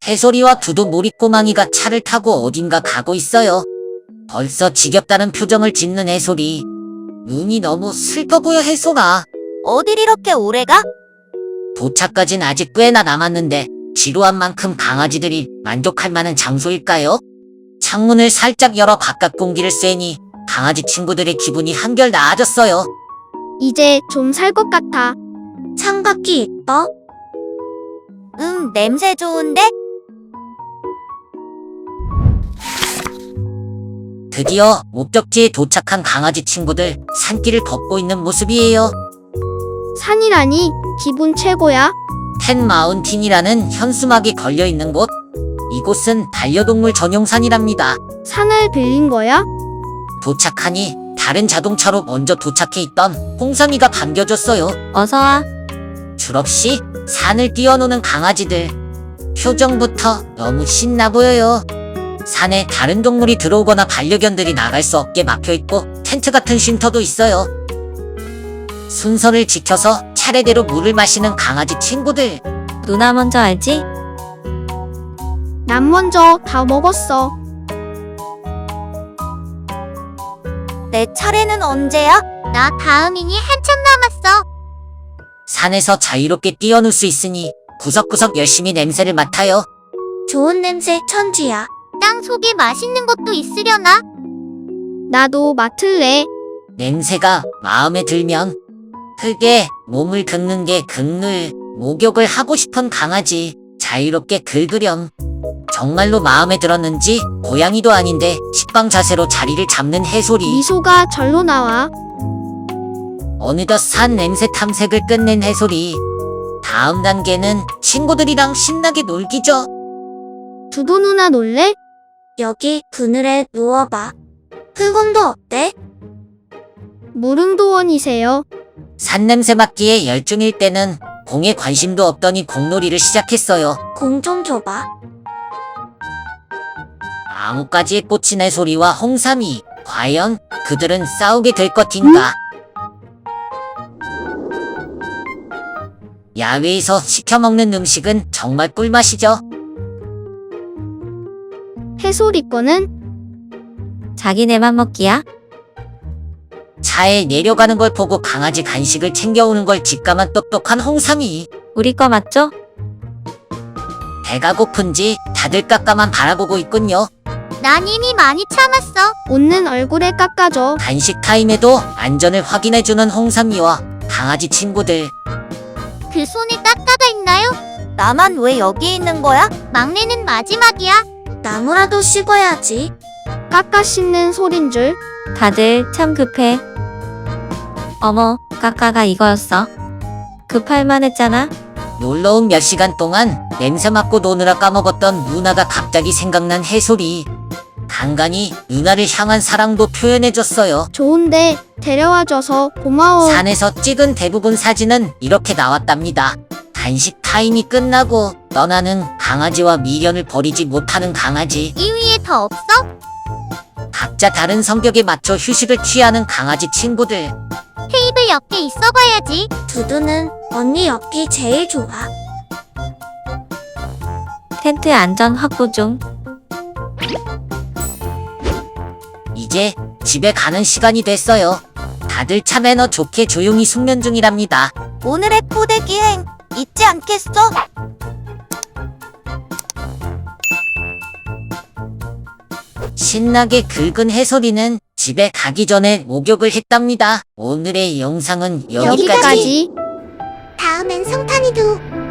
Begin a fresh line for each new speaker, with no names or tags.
해솔이와 두두 모리꼬망이가 차를 타고 어딘가 가고 있어요. 벌써 지겹다는 표정을 짓는 해솔이. 눈이 너무 슬퍼 보여 해솔아.
어딜 이렇게 오래 가?
도착까진 아직 꽤나 남았는데 지루한 만큼 강아지들이 만족할 만한 장소일까요? 창문을 살짝 열어 바깥 공기를 쐬니 강아지 친구들의 기분이 한결 나아졌어요.
이제 좀 살 것 같아.
창밖이 이뻐? 냄새 좋은데?
드디어 목적지에 도착한 강아지 친구들. 산길을 걷고 있는 모습이에요.
산이라니 기분 최고야.
텐마운틴이라는 현수막이 걸려있는 곳. 이곳은 반려동물 전용산이랍니다.
산을 빌린 거야?
도착하니 다른 자동차로 먼저 도착해 있던 홍삼이가 반겨줬어요.
어서와.
줄없이 산을 뛰어노는 강아지들. 표정부터 너무 신나 보여요. 산에 다른 동물이 들어오거나 반려견들이 나갈 수 없게 막혀있고 텐트 같은 쉼터도 있어요. 순서를 지켜서 차례대로 물을 마시는 강아지 친구들.
누나 먼저 알지?
난 먼저 다 먹었어.
내 차례는 언제야? 나 다음이니 한참 남았어.
산에서 자유롭게 뛰어놀 수 있으니 구석구석 열심히 냄새를 맡아요.
좋은 냄새 천지야. 땅 속에 맛있는 것도 있으려나?
나도 맡을래.
냄새가 마음에 들면 흙에 몸을 긁는 게 극물. 목욕을 하고 싶은 강아지. 자유롭게 긁으렴. 정말로 마음에 들었는지 고양이도 아닌데 식빵 자세로 자리를 잡는 해솔이.
미소가 절로 나와.
어느덧 산 냄새 탐색을 끝낸 해솔이. 다음 단계는 친구들이랑 신나게 놀기죠.
두두 누나 놀래?
여기 그늘에 누워봐. 흙온도 어때?
무릉도원이세요.
산 냄새 맡기에 열중일 때는 공에 관심도 없더니 공놀이를 시작했어요.
공 좀 줘봐.
나뭇가지에 꽂힌 해솔이와 홍삼이. 과연 그들은 싸우게 될 것인가? 야외에서 시켜먹는 음식은 정말 꿀맛이죠.
해솔이 거는
자기네만 먹기야?
차에 내려가는 걸 보고 강아지 간식을 챙겨오는 걸 직감한 똑똑한 홍삼이.
우리 거 맞죠?
배가 고픈지 다들 깎아만 바라보고 있군요.
난 이미 많이 참았어.
웃는 얼굴에 깎아줘.
간식 타임에도 안전을 확인해주는 홍삼이와 강아지 친구들.
그 손에 깎아가 있나요? 나만 왜 여기 있는 거야? 막내는 마지막이야. 나무라도 씹어야지.
깎아 씹는 소린 줄.
다들 참 급해. 어머, 까까가 이거였어. 급할만 했잖아.
놀러온 몇 시간 동안 냄새 맡고 노느라 까먹었던 누나가 갑자기 생각난 해솔이. 간간히 누나를 향한 사랑도 표현해줬어요.
좋은데 데려와줘서 고마워.
산에서 찍은 대부분 사진은 이렇게 나왔답니다. 간식 타임이 끝나고 떠나는 강아지와 미련을 버리지 못하는 강아지.
이 위에 더 없어?
각자 다른 성격에 맞춰 휴식을 취하는 강아지 친구들.
테이블 옆에 있어봐야지. 두두는 언니 옆이 제일 좋아.
텐트 안전 확보 중.
이제 집에 가는 시간이 됐어요. 다들 차 매너 좋게 조용히 숙면 중이랍니다.
오늘의 코드 기행 잊지 않겠어?
신나게 긁은 해솔이는 집에 가기 전에 목욕을 했답니다. 오늘의 영상은 여기까지.
여기까지.
다음엔 성탄이도